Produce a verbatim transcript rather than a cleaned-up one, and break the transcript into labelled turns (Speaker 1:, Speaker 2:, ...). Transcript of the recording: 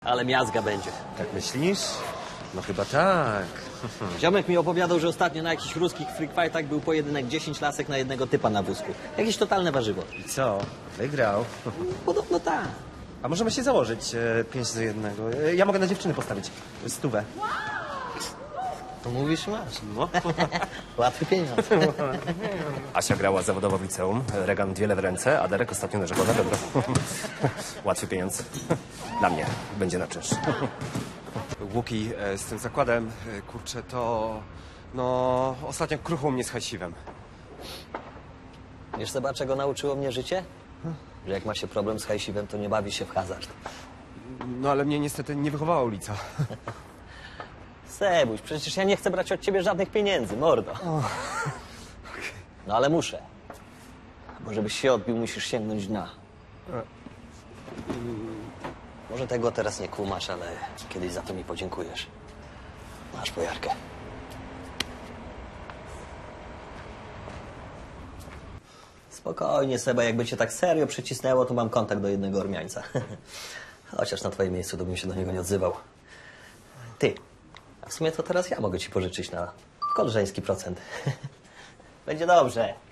Speaker 1: Ale miazga będzie.
Speaker 2: Tak myślisz? No chyba tak.
Speaker 1: Ziomek mi opowiadał, że ostatnio na jakichś ruskich freak fightach był pojedynek dziesięć lasek na jednego typa na wózku. Jakieś totalne warzywo.
Speaker 2: I co? Wygrał.
Speaker 1: Podobno tak.
Speaker 2: A możemy się założyć e, pięć do jednego. E, ja mogę na dziewczyny postawić. Stówę.
Speaker 1: To mówisz, masz.
Speaker 2: No.
Speaker 1: Łatwy pieniądz.
Speaker 3: Asia grała zawodowo w liceum, Regan wiele w ręce, a Derek ostatnio narzekał na dobro. Łatwy pieniądz. Dla mnie będzie na czynsz.
Speaker 2: Łuki, e, z tym zakładem, e, kurczę, to... No, ostatnio kruchło mnie z hajsiwem.
Speaker 1: Wiesz, Seba, czego nauczyło mnie życie? Że jak ma się problem z hajsiwem, to nie bawi się w hazard.
Speaker 2: No, ale mnie niestety nie wychowała ulica.
Speaker 1: Sebuś, przecież ja nie chcę brać od ciebie żadnych pieniędzy, mordo. No ale muszę. Bo żebyś się odbił, musisz sięgnąć dna. Może tego teraz nie kumasz, ale kiedyś za to mi podziękujesz. Masz pojarkę. Spokojnie, Seba, jakby cię tak serio przycisnęło, to mam kontakt do jednego Ormiańca. Chociaż na twoim miejscu to bym się do niego nie odzywał. Ty, a w sumie to teraz ja mogę ci pożyczyć na koleżeński procent. Będzie dobrze.